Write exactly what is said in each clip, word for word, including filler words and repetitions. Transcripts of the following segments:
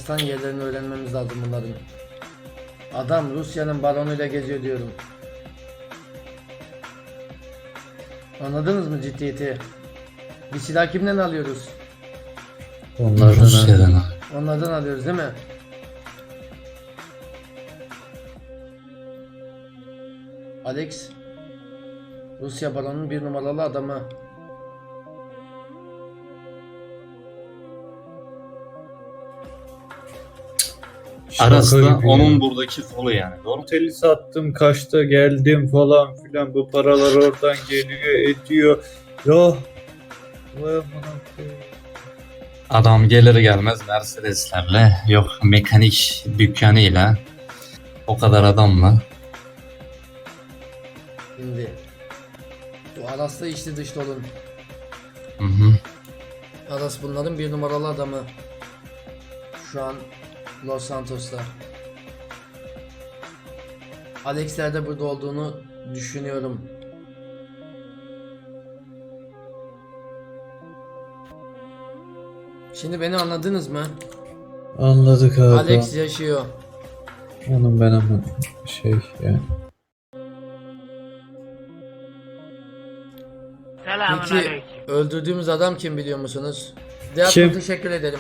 Baştan yerlerini öğrenmemiz lazım bunların. Adam Rusya'nın baronuyla geziyor diyorum. Anladınız mı ciddiyeti? Bir silah kimden alıyoruz? Onlardan Rusya'dan abi. Onlardan alıyoruz değil mi? Alex, Rusya baronunun bir numaralı adamı. Arası da Şaka gibi onun ya. buradaki kolu yani. Doğru mu? Oteli sattım, kaçta geldim falan filan, bu paralar oradan geliyor ediyor. Ya vay amına koyayım. Adam gelir gelmez Mercedeslerle, yok mekanik dükkanıyla, o kadar adamla. Şimdi bu Aras'la içli dışlı olun. Hı hı. Aras bunların bir numaralı adamı. Şu an Los Santos'ta. Alex'ler de burada olduğunu düşünüyorum. Şimdi beni anladınız mı? Anladık abi. Alex yaşıyor. Onun ben ama şey yani. Peki öldürdüğümüz adam kim biliyor musunuz? Diğer Kim? teşekkür ederim.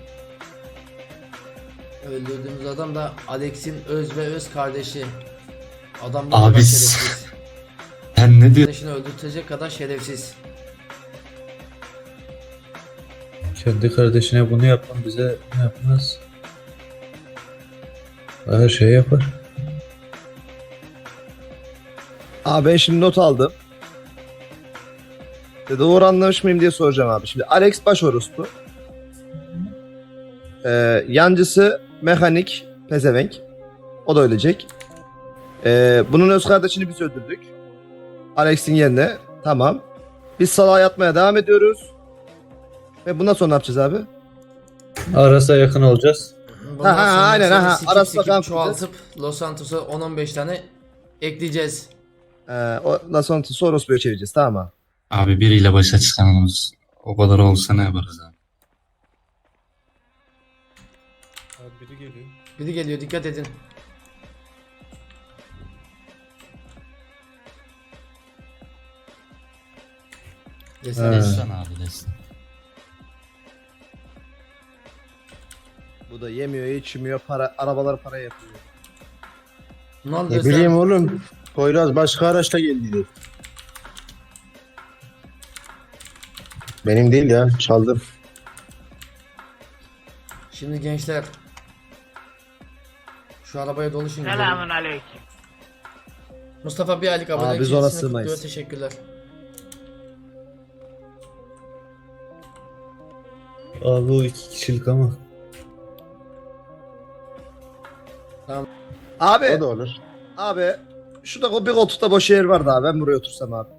Öldürdüğümüz adam da Alex'in öz ve öz kardeşi. Adam bu kadar Abi şerefsiz. sen ne diyorsun? Kardeşini öldürtecek kadar şerefsiz. Kendi kardeşine bunu yapan bize ne yapmaz? Her şey yapar. Abi ben şimdi not aldım. E, Doğru anlamış mıyım diye soracağım abi. Şimdi Alex baş orospu. Ee, yancısı mekanik pezevenk. O da ölecek. Ee, bunun öz kardeşini biz öldürdük. Alex'in yerine. Tamam. Biz salağa yatmaya devam ediyoruz. Ve bundan sonra ne yapacağız abi? Aras'a yakın olacağız. Bundan Ha, ha, sonra aynen, seni ha, sikip Aras'la sikip kan çoğaltıp Los Santos'a on on beş tane ekleyeceğiz. Ee, ondan sonra Soros'u çevireceğiz, tamam mı? Abi biriyle başa çıkamamız o kadar olsa ne yaparız abi? Abi biri geliyor. Biri geliyor, dikkat edin. Desene. Evet. Destan abi destan. Bu da yemiyor, içmiyor, para, arabalar para yapıyor. Ne oldu Ne Destan? bileyim oğlum. Poyraz başka araçla geldi. Benim değil ya. Çaldım. Şimdi gençler, şu arabaya doluşun. gidelim. Selamun aleyküm. Mustafa bir aylık Aa, abone biz ona kilisini sığmayız. kutluyor, teşekkürler. Abi o iki kişilik ama. Abi, O da olur. abi şurada bir koltukta boş yer vardı abi. Ben buraya otursam abi.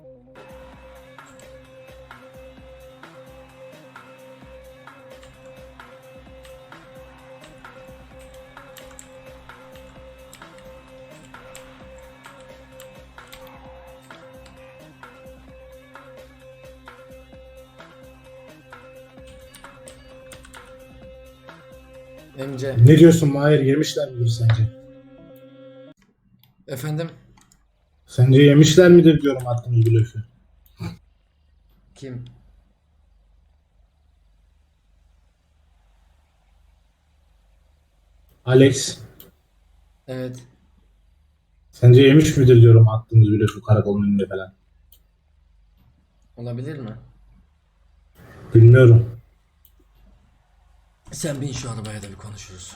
Emce. Ne diyorsun Mahir? Yemişler midir sence? Efendim? Sence yemişler midir diyorum attığımız blöfü. Kim? Alex. Evet. Sence yemiş midir diyorum attığımız blöfü karakolun önünde falan. Olabilir mi? Bilmiyorum. Sen bin şu arabaya da bir konuşuruz.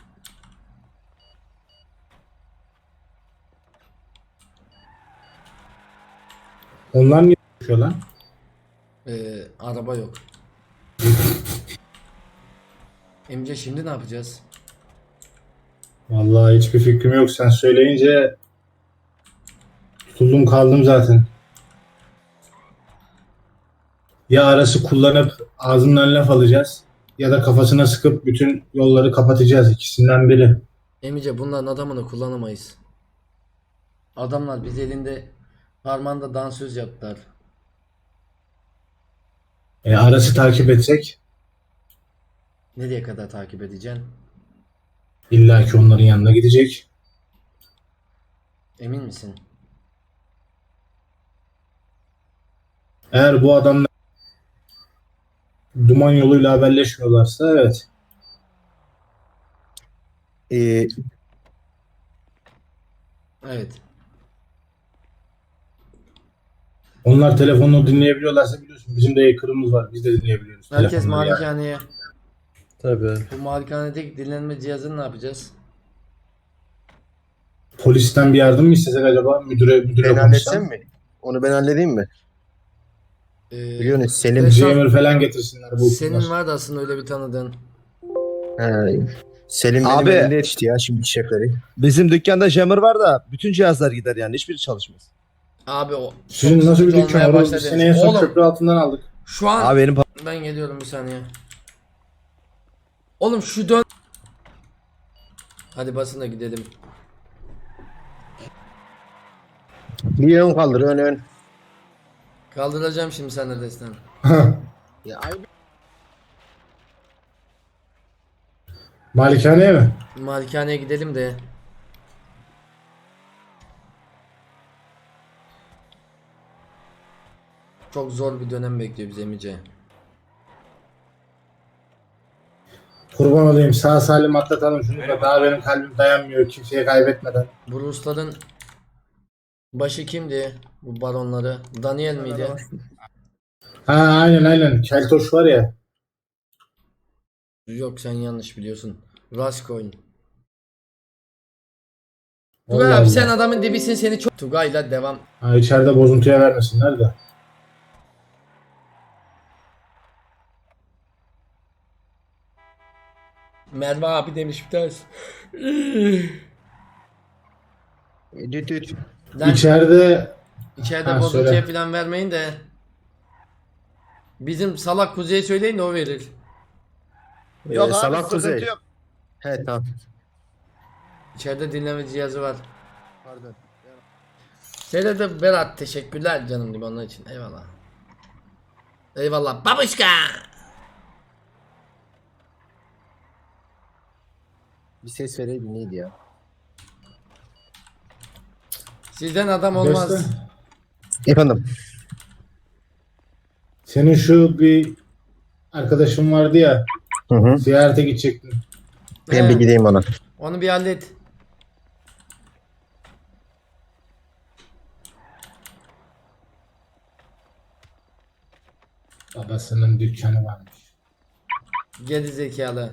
Onlar niye konuşuyor lan? Ee, araba yok. Emce şimdi ne yapacağız? Vallahi hiçbir fikrim yok. Sen söyleyince tutuldum kaldım zaten. Ya arası kullanıp ağzından laf alacağız ya da kafasına sıkıp bütün yolları kapatacağız. İkisinden biri. Emice bunların adamını kullanamayız. Adamlar biz elinde parmağında dansöz yaptılar. E, arası takip etsek Nereye kadar takip edeceksin? İlla ki onların yanına gidecek. Emin misin? Eğer bu adamlar duman yoluyla haberleşmiyorlarsa evet. Ee, Evet. Onlar telefonunu dinleyebiliyorlarsa biliyorsun bizim de hacker'ımız var. Biz de dinleyebiliyoruz. Herkes telefonları yani. malikaneye. Tabii. Bu malikanedeki dinlenme cihazını ne yapacağız? Polisten bir yardım mı istesek acaba? Müdüre, müdüre ben konuşsam. halletsem mi? Onu ben halledeyim mi? Ee, Biliyorsun Selim. Reşat, Jammer falan getirsinler. Bu senin vardı aslında öyle bir tanıdığın. He, Selim benim Abi. elimde yetişti ya şimdi şefleri. Bizim dükkanda jammer var da bütün cihazlar gider yani. Hiçbiri çalışmaz. Abi o Sizin çok nasıl bir sıkıcı dükkan olmaya var? başladı. Biz seni en son Oğlum köprü altından aldık. şu an Abi benim ben geliyorum bir saniye. Oğlum şu dön. Hadi basın da gidelim. Bir ön kaldır ön ön. Kaldıracağım şimdi sen de destan. Ya ay Malikaneye mi? Malikaneye gidelim de. Çok zor bir dönem bekliyor bizi Emice. Kurban olayım sağ salim atlatalım şunu da daha benim kalbim dayanmıyor kimseye kaybetmeden. Bu Rusların başı kimdi? Bu baronları. Daniel miydi? Ha aynen aynen Keltoş var ya. Yok sen yanlış biliyorsun. Rascoin. Allah Tugay abi Allah. sen adamın dibisin seni çok... Tugay'la devam. Ha, içeride bozuntuya vermesinler de. Merve abi demiş bir tanesi. düt düt. Lan İçeride içeride Ha, bozuntuya söyle. falan vermeyin de. Bizim salak Kuzey'e söyleyin de o verir. yok Ee, abi Salak sıkıntı Kuzey. yok. He tamam. İçeride dinleme cihazı var. Pardon. Şeyde de Berat teşekkürler canım gibi onun için. Eyvallah. Eyvallah babuşka. Bir ses vereydin neydi ya? Sizden adam olmaz. Beste, Efendim. senin şu bir arkadaşın vardı ya Hı hı. ziyarete gidecektin. Ben He, bir gideyim ona. onu bir hallet. Babasının dükkanı varmış. Geri zekalı.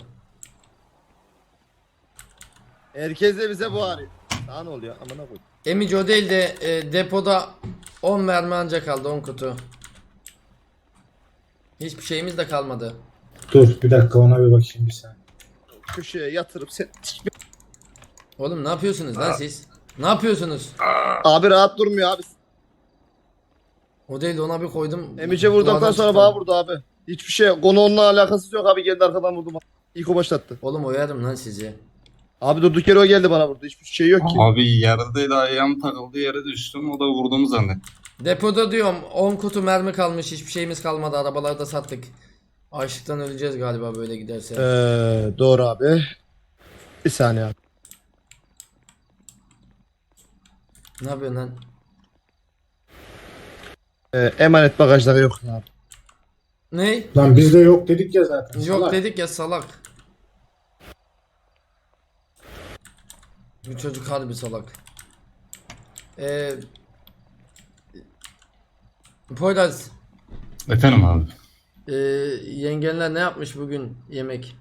Herkes de bize bu arıyor. Daha ne oluyor? Amına koy. Emici o değil de e, depoda on mermi ancak kaldı, on kutu. Hiçbir şeyimiz de kalmadı. Dur bir dakika ona bir bakayım bir saniye. Köşeye yatırıp sen... Oğlum ne yapıyorsunuz lan siz? Ne yapıyorsunuz? Abi rahat durmuyor abi. O değil de ona bir koydum. Emice vurduktan Duvardan sonra çıktı. bana vurdu abi. Hiçbir şey konu onunla alakası yok abi, geldi arkadan vurdu bana. İlk o başlattı. Oğlum oyarım lan sizi. Abi durduk yere o geldi bana vurdu. Hiçbir şey yok ki. Abi yerdeydi ayağım takıldı yere düştüm o da vurduğumu zannettim. Depoda diyorum on kutu mermi kalmış, hiçbir şeyimiz kalmadı, arabaları da sattık. Açlıktan öleceğiz galiba böyle giderse. Ee, doğru abi. Bir saniye abi. Ne yapıyorsun lan? Ee, emanet bagajları yok abi. Ne? Lan bizde yok dedik ya zaten. Yok salak. dedik ya salak. Bu çocuk harbi salak. Eee Poyraz, Efendim abi. eee yengenler ne yapmış bugün yemek?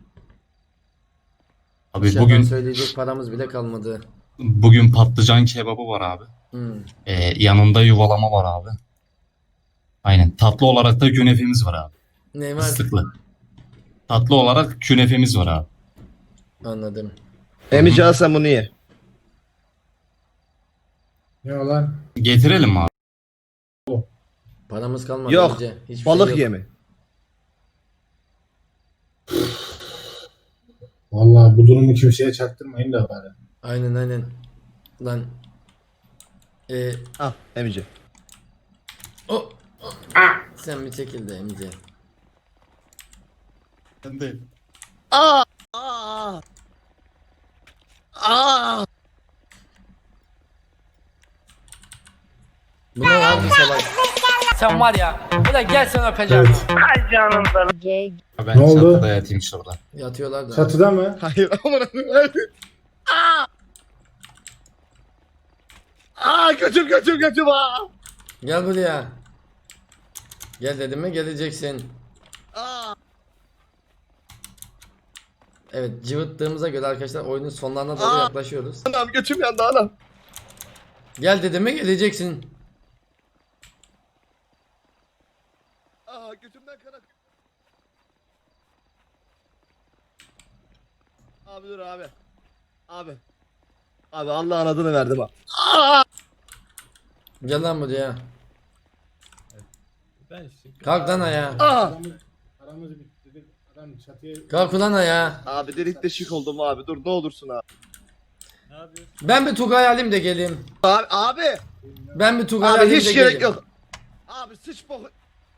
Abi Dışarıdan bugün söyleyecek paramız bile kalmadı. bugün patlıcan kebabı var abi. Hmm. Ee, yanında yuvalama var abi. Aynen. Tatlı olarak da künefemiz var abi. Ne var? Fıstıklı. Tatlı olarak künefemiz var abi. Anladım. Emice al sen bunu ye. Ne o lan? Getirelim mi abi? Paramız kalmadı Yok, önce. Hiçbir Balık şey yok. yemi. Vallahi bu durumu kimseye çaktırmayın da bari. Aynen aynen. Lan. Eee Al Emice. o, o- ah! Sen bir çekil de Emice. Ben de. Aa! Aa! Aa! Bu ne lan bu salak? Sen var ya. Ulan gel sen öpeceğim. Evet. Gay. Ben Ne oldu? çatıda yatayım şurada. Yatıyorlar da. Çatıda mı? Hayır aman Allah'ım. Aa! Aa götür götür götür aa! Gel buraya. Gel dedim mi geleceksin. Aa! Evet cıvıttığımıza göre arkadaşlar oyunun sonlarına doğru Aa! yaklaşıyoruz. Anam götüm yandı anam. Gel dedim mi geleceksin. Aa götümden kan akıyor. Abi dur abi. Abi. Abi Allah'ın adını verdim ha. Aa! Gel lan buraya. Ben işte. Kalk lan ayağa. Aa! Aramız, aramız bitti dedik. Adam çatıya... Kalk ulan ayağa. Abi delik deşik oldum abi. Dur ne olursun abi. Ne yapıyorsun? Ben bir Tugay alayım da geleyim. Abi abi. Ben bir Tugay Abi alayım da hiç gerek geleyim. yok. Abi sıç boku.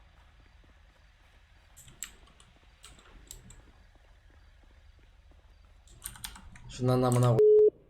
Şundan amına koy.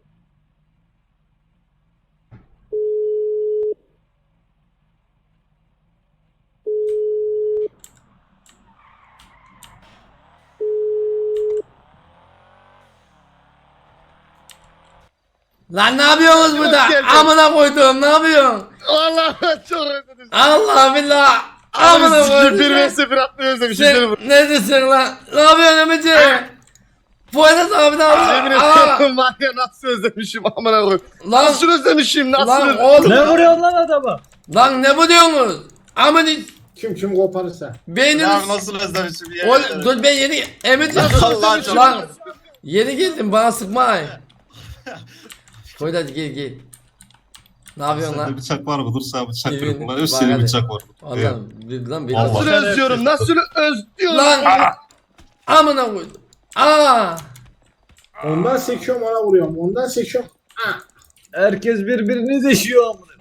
Lan ne yapıyorsunuz burada? geldin. Amına koydum ne yapıyorsun? Allah çok özledim. Allah billah. Abi Amına sizi bir koydum. ve sıfır atmayı özlemişim. Sen... Sen neredesin lan? Ne yapıyorsun Emici? Poyraz abi ne Yemin yapıyor? Aa, ediyorum var ya nasıl özlemişim amına koyayım. Lan Nasıl özlemişim nasıl lan özlemişim. oğlum. Ne vuruyorsun lan adama? Lan ne buluyorsunuz? Aman Kim kim koparırsa. beyniniz. nasıl özlemişim ya. Oğlum dur ben yeni Emici. Allah çok- Lan yeni geldim bana sıkma ay. Poyraz gel gel. Ne yapıyorsun Sende lan? bıçak var mı? Dur sana bıçak Evin- kırık kullanıyor. Bak Senin hadi. bıçak var. Evet. Allah bir- lan bir Allah. Nasıl özlüyorum nasıl özlüyorum. Lan amına koydum. Aa! Ondan sekiyorum ona vuruyorum. Ondan sekiyorum. Herkes birbirini deşiyor amına.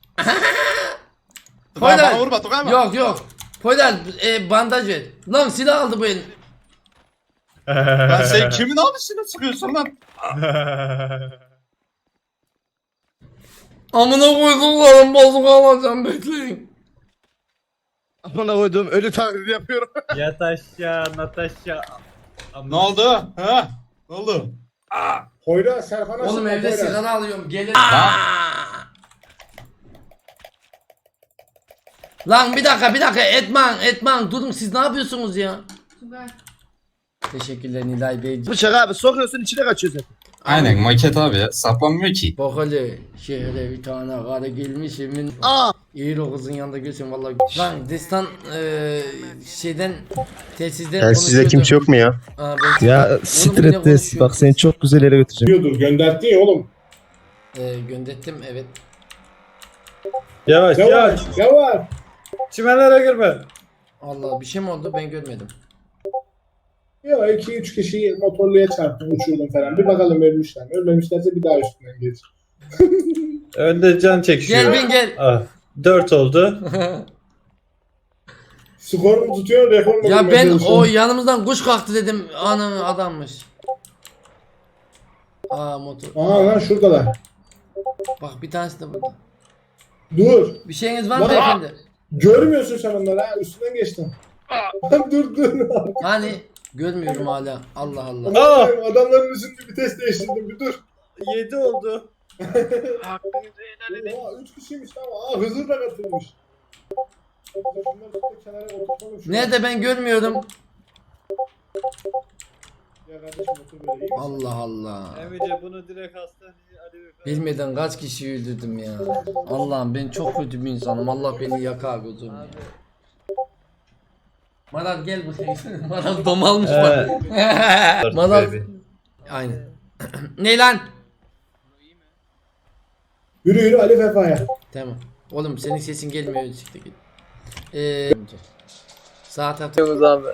Tugay Poyraz. bana vurma Tugay mı? Yok yok. Poyraz e, bandaj ver. Lan silah aldı bu el. Ben sen kimin abisine sıkıyorsun lan? Amına koyduklarım bozuk alacağım bekleyin. Amına koyduğum ölü taklidi yapıyorum. Yat aşağı Natasha. Ne oldu? Ha? Ne oldu? Poyra Serkan'a Oğlum sıkma, evde Poyraz. sigara alıyorum gelin. Lan bir dakika bir dakika Etman Etman durun siz ne yapıyorsunuz ya? Teşekkürler Nilay Bey. Bıçak abi sokuyorsun içine kaçıyorsun. Aynen maket abi ya. Saplanmıyor ki. Bak hele şehre bir tane karı gelmiş emin. Aa! İyi o kızın yanında görsün vallahi. Lan destan eee şeyden telsizden Telsizde kimse yok mu ya? Aa, ben- Ya Oğlum, siktir yine et de konuşuyor. bak seni çok güzel yere götüreceğim. Diyordur gönderdi ya oğlum. Eee gönderttim evet. Yavaş Yavaş yavaş. yavaş. Çimenlere girme. Allah bir şey mi oldu ben görmedim. Ya iki üç kişiyi motorluya çarptım uçurdum falan. Bir bakalım ölmüşler mi? Ölmemişlerse bir daha üstünden geç. Önde can çekişiyor. Gel bin gel. Ah, dört oldu. Skor mu tutuyor rekor mu? Ya bulmaya ben çalışıyorum. o yanımızdan kuş kalktı dedim. Ana adammış. Aa motor. Aa lan şuradalar. Bak bir tanesi de burada. Dur. Bir şeyiniz var mı Lan- beyefendi? Görmüyorsun sen onları ha. Üstünden geçtim. Lan dur dur. Hani görmüyorum hala. Allah Allah. Aa! Adamların üstünde vites değiştirdim bir dur. yedi oldu. Oha üç kişiymiş tamam. Aa Hızır da katılmış. Bunları tutup kenara oturtalım şuraya. Nerede ben görmüyorum. Ya kardeşim otur böyle iyi misin? Allah Allah. Emice bunu direkt hastaneye Ali Bey- Bilmeden kaç kişi öldürdüm ya. Allah'ım ben çok kötü bir insanım. Allah beni yakar gözüm ya. Maral gel buraya. Maral domalmış bak. Maral. Aynen. Ne lan? Yürü yürü Ali Vefa'ya. Tamam. Oğlum senin sesin gelmiyor. Siktir git. Eee saat atıyoruz abi.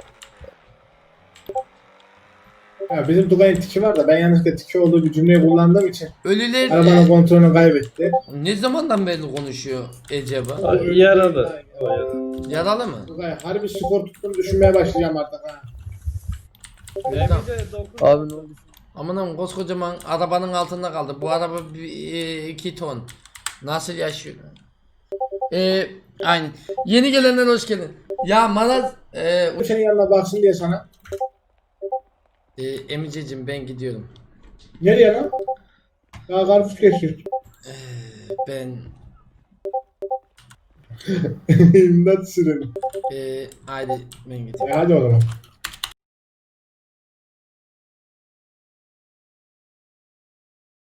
Ya bizim Tugay'ın tiki var da ben yanlışlıkla tiki olduğu bir cümleyi kullandığım için Ölüler arabanın e, kontrolünü kaybetti. ne zamandan beri konuşuyor acaba? Aa, Yaralı. O yaralı. Yaralı mı? Tugay harbi skor tuttuğunu düşünmeye başlayacağım artık ha. Emice dokuz. Abi ne oldu? Amanım koskocaman arabanın altında kaldı. Bu araba bir, e, iki ton. Nasıl yaşıyor? Ee, aynen. Yeni gelenler hoş geldin. Ya Maraz e, Bu senin yanına baksın diye sana. e, Emiceciğim ben gidiyorum. Nereye lan? Daha karpuz kesiyor. Ben İmdat süreni. e, haydi ben gidiyorum. E hadi o zaman.